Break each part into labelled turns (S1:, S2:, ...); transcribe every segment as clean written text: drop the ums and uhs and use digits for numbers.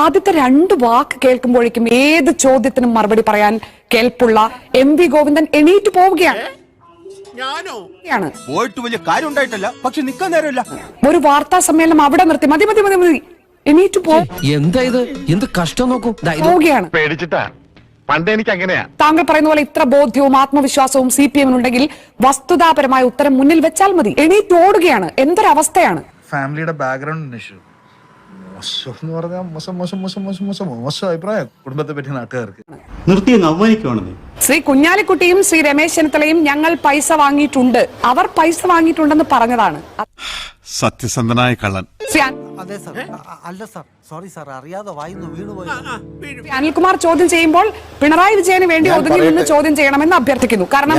S1: ആദ്യത്തെ രണ്ട് വാക്ക് കേൾക്കുമ്പോഴേക്കും ഏത് ചോദ്യത്തിനും മറുപടി പറയാൻ കേൾപ്പുള്ള എം വി ഗോവിന്ദൻ എണീറ്റ് പോവുകയാണ്.
S2: പോയിട്ട് വലിയ കാര്യം ഉണ്ടായിട്ടല്ല, പക്ഷെ നിക്കാൻ നേരമില്ല.
S1: ഒരു വാർത്താ സമ്മേളനം അവിടെ നിർത്തി മതി മതി മതി മതി എണീറ്റ്
S3: എന്താ ഇത്? എന്ത് കഷ്ടം നോക്കൂ.
S1: പോവുകയാണ്.
S4: പേടിച്ചിട്ടാ, പണ്ട് എനിക്ക് അങ്ങനെയാ.
S1: താങ്കൾ പറയുന്ന പോലെ ഇത്ര ബോധ്യവും ആത്മവിശ്വാസവും CPM ഉണ്ടെങ്കിൽ വസ്തുതാപരമായ ഉത്തരം മുന്നിൽ വെച്ചാൽ മതി. എണീറ്റ് ഓടുകയാണ്. എന്തൊരവസ്ഥയാണ്.
S5: ഫാമിലിയുടെ ബാക്ക്ഗ്രൗണ്ട് ഇഷ്യൂ മോശം എന്ന് പറഞ്ഞാൽ മോശം മോശം മോശം മോശം മോശം മോശം അഭിപ്രായം കുടുംബത്തെ പറ്റി നാട്ടുകാർക്ക്.
S6: നിർത്തി അവമാനിക്കുവാണെന്ന്.
S1: ശ്രീ കുഞ്ഞാലിക്കുട്ടിയും ശ്രീ രമേശ് ചെന്നിത്തലയും ഞങ്ങൾ പൈസ വാങ്ങിയിട്ടുണ്ട്, അവർ പൈസ വാങ്ങിയിട്ടുണ്ടെന്ന് പറഞ്ഞതാണ്.
S7: സത്യസന്ധനായ കള്ളൻ.
S8: അതെ സാർ, അല്ല സാർ, സോറി സാർ, അറിയാതെ വായിന്ന് വീണുപോയി.
S1: അനിൽകുമാർ ചോദ്യം ചെയ്യുമ്പോൾ പിണറായി വിജയന് വേണ്ടി ഒതുങ്ങി നിന്ന് ചോദ്യം ചെയ്യണമെന്ന് അഭ്യർത്ഥിക്കുന്നു. കാരണം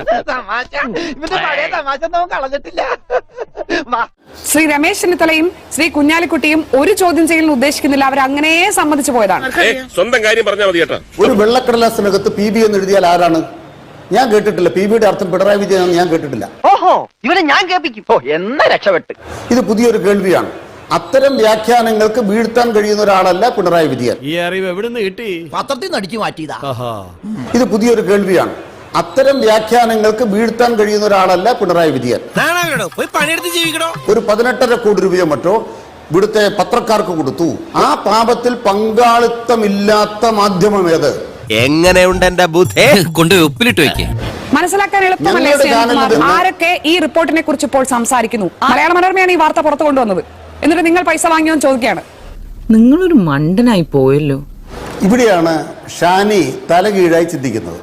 S1: ശ്രീ രമേശ് ചെന്നിത്തലയും ശ്രീ കുഞ്ഞാലിക്കുട്ടിയും ഒരു ചോദ്യം ചെയ്യലിന് ഉദ്ദേശിക്കുന്നില്ല, അവർ അങ്ങനെ സമ്മതിച്ചു പോയതാണ്.
S4: സ്വന്തം കാര്യം പറഞ്ഞാൽ മതി കേട്ടോ.
S6: ഒരു വെള്ളക്കടലാസിനകത്ത് PB എന്ന് എഴുതിയാൽ ആരാണ്? ഞാൻ കേട്ടിട്ടില്ല. PBയുടെ അർത്ഥം പിണറായി വിജയൻ ഞാൻ കേട്ടിട്ടില്ല.
S8: ഓഹോ, ഇവനെ ഞാൻ കേൾപ്പിക്കും. ഓ, എന്നാ രക്ഷപ്പെട്ട്.
S6: ഇത് പുതിയൊരു കേൾവിയാണ്. അത്തരം വ്യാഖ്യാനങ്ങൾക്ക് വീഴ്ത്താൻ കഴിയുന്ന ഒരാളല്ല പിണറായി വിജയൻ.
S2: ഈ അറിവ് എവിടെ നിന്ന് കിട്ടി?
S8: പത്രത്തിൽ നിന്ന് അടിച്ചു മാറ്റിയതാ.
S6: ഇത് പുതിയൊരു കേൾവിയാണ്. അത്തരം വ്യാഖ്യാനങ്ങൾക്ക് വീഴ്ത്താൻ കഴിയുന്ന ഒരാളല്ല പിണറായി വിജയൻ. ഒരു 18.5 കോടി രൂപയോ മറ്റോ ഇവിടുത്തെ പത്രക്കാർക്ക് കൊടുത്തു. ആ പാപത്തിൽ പങ്കാളിത്തമില്ലാത്ത മാധ്യമം ഏത്?
S2: എങ്ങനെയുണ്ട് എന്റെ ബുദ്ധി?
S3: കൊണ്ട് ഉപ്പിലിട്ട് വെക്കേ.
S1: മനസ്സിലാക്കാൻ എളുപ്പമല്ലേ ശ്രീ അനിൽകുമാർ? ആരൊക്കെ ഈ റിപ്പോർട്ടിനെ കുറിച്ച് ഇപ്പോൾ സംസാരിക്കുന്നു? മലയാള മനോരമയാണ് ഈ വാർത്ത പുറത്തു കൊണ്ടുവന്നത്. എന്നിട്ട് നിങ്ങൾ പൈസ വാങ്ങിയോന്ന് ചോദിക്കുകയാണ്.
S9: നിങ്ങളൊരു മണ്ടനായി പോയല്ലോ.
S6: ഇവിടെയാണ് ഷാനി തലകീഴായി ചിന്തിക്കുന്നത്.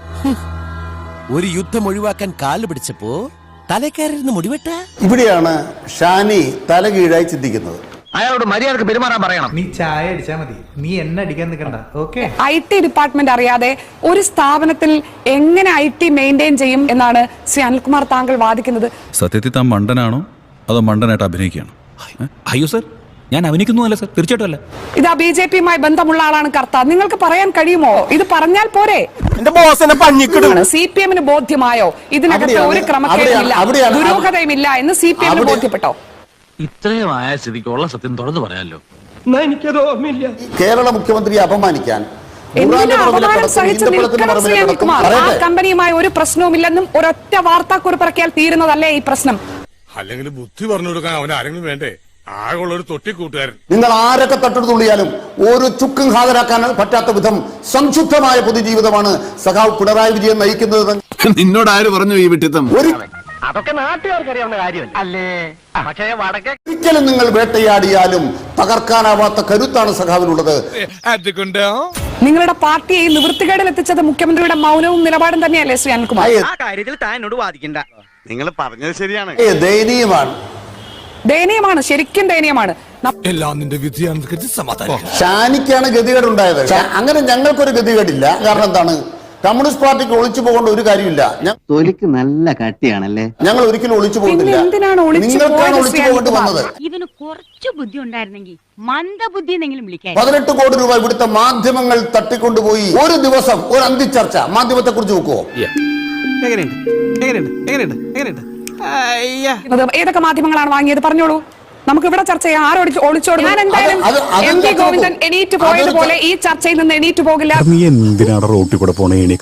S2: ഒരു യുദ്ധം ഒഴിവാക്കാൻ കാല് പിടിച്ചപ്പോ തലക്കയറിയിരുന്ന് മുടിവെട്ട.
S6: ഇവിടെയാണ് ഷാനി തലകീഴായി ചിന്തിക്കുന്നത്.
S8: അയാളോട് മര്യാദക്ക് പെരുമാറാൻ പറയണം.
S5: നീ ചായ അടിച്ചാ മതി, നീ എന്നെ അടിക്കാൻ നിൽക്കണ്ട. ഓക്കെ,
S1: IT ഡിപ്പാർട്ട്മെന്റ് അറിയാതെ ഒരു സ്ഥാപനത്തിൽ എങ്ങനെ IT മെയിൻറ്റെയിൻ ചെയ്യും എന്നാണ് ശ്രീ അനിൽകുമാർ താങ്കൾ വാദിക്കുന്നത്.
S7: സത്യത്തിൽ താൻ മണ്ടനാണോ അതോ മണ്ടനായിട്ട് അഭിനയിക്കുകയാണോ?
S3: അയ്യോ സർ, ഞാൻ അഭിനയിക്കുന്നു അല്ല സർ, തീർച്ചയായിട്ടും അല്ല.
S1: ഇതാ BJPയുമായി ബന്ധമുള്ള ആളാണ് കർത്ത. നിങ്ങൾക്ക് പറയാൻ കഴിയുമോ? ഇത് പറഞ്ഞാൽ പോരെ?
S2: എന്റെ ബോസിനെ പഞ്ഞിക്കിടും.
S1: CPM-ന് ബോധ്യമായോ ഇതിനകത്ത് ഒരു ക്രമക്കേടുമില്ല, ദുരൂഹതയുമില്ല എന്ന് CPM-ന് ബോധ്യപ്പെട്ടോ?
S3: ഇത്രയും ആയ സ്ഥിതിക്കുള്ള സത്യം തുറന്നു പറയാമല്ലോ.
S4: എനിക്കത് ഓർമ്മയില്ല.
S6: കേരള മുഖ്യമന്ത്രിയെ അപമാനിക്കാൻ
S1: എന്തിനാ അപമാനം സഹിച്ച് നിൽക്കണം ശ്രീ അനിൽകുമാർ? ആ കമ്പനിയുമായി ഒരു പ്രശ്നവുമില്ലെന്നും ഒരൊറ്റ വാർത്താക്കുറിപ്പിറക്കിയാൽ തീരുന്നതല്ലേ ഈ പ്രശ്നം?
S4: അല്ലെങ്കിൽ ബുദ്ധി പറഞ്ഞു കൊടുക്കാൻ അവൻ ആരെങ്കിലും വേണ്ടേ? ആകെയുള്ള ഒരു തൊട്ടിക്കൂട്ടുകാരൻ.
S6: നിങ്ങൾ ആരൊക്കെ തട്ടെടുത്തുള്ളിയാലും ഒരു ചുക്കും ഹാജരാക്കാൻ പറ്റാത്ത വിധം സംശുദ്ധമായ പൊതുജീവിതമാണ് സഖാവ് പിണറായി വിജയൻ നയിക്കുന്നത്.
S7: നിന്നോട് ആര് പറഞ്ഞു ഈ വിട്ടിത്തം?
S8: അതൊക്കെ നാട്ടുകാർക്ക് അറിയാവുന്ന കാര്യമല്ല അല്ലേ? പക്ഷേ വടക്കേ
S6: ഒരിക്കലും നിങ്ങൾ വേട്ടയാടിയാലും തകർക്കാനാവാത്ത കരുത്താണ് സഖാവിനുള്ളത്.
S1: നിങ്ങളുടെ പാർട്ടിയെ നിവൃത്തികേടിൽ എത്തിച്ചത് മുഖ്യമന്ത്രിയുടെ മൗനവും നിലപാടും തന്നെയല്ലേ ശ്രീ അനിൽകുമാർ?
S8: ആ കാര്യത്തിൽ താൻ എന്നോട് വാദിക്കണ്ട.
S4: നിങ്ങൾ പറഞ്ഞത് ശരിയാണ്.
S6: ദയനീയമാണ്,
S1: ദയനീയമാണ്, ശരിക്കും ദയനീയമാണ്.
S2: എല്ലാം നിന്റെ വിധിയാണ്. സമാധാനം.
S6: ഷാനിക്കാണ് ഗതികേടുണ്ടായത്. അങ്ങനെ ഞങ്ങൾക്കൊരു ഗതികേടില്ല. കാരണം എന്താണ്? കമ്മ്യൂണിസ്റ്റ് പാർട്ടിക്ക് ഒളിച്ചു പോകേണ്ട ഒരു കാര്യമില്ല.
S8: തൊലിക്ക് നല്ല കട്ടിയാണല്ലേ.
S6: ഞങ്ങൾ ഒരിക്കലും ഒളിച്ചു പോകുന്നില്ല. നിങ്ങൾക്കാണ് ഒളിച്ചു പോകേണ്ടി വന്നത്.
S10: ഇവന് കുറച്ചു ബുദ്ധി ഉണ്ടായിരുന്നെങ്കിൽ മന്ദബുദ്ധി എന്നെങ്കിലും വിളിക്കാൻ.
S6: 18 കോടി രൂപ ഇവിടുത്തെ മാധ്യമങ്ങൾ തട്ടിക്കൊണ്ടുപോയി. ഒരു ദിവസം ഒരു അന്തിച്ചർച്ച മാധ്യമത്തെ കുറിച്ച് നോക്കുവോ?
S1: ഏതൊക്കെ മാധ്യമങ്ങളാണ് വാങ്ങിയത്? പറഞ്ഞോളൂ, നമുക്ക് ഇവിടെ ചർച്ച ചെയ്യാം. ആരോട് ഒളിച്ചോടും? ഞാൻ എന്തായാലും എം വി ഗോവിന്ദൻ എണീറ്റ് പോയതുപോലെ ഈ ചർച്ചയിൽ നിന്ന് എണീറ്റ് പോകില്ല.
S7: നീ എന്തിനാണ് റോട്ടിൽ കൂടെ പോണേ?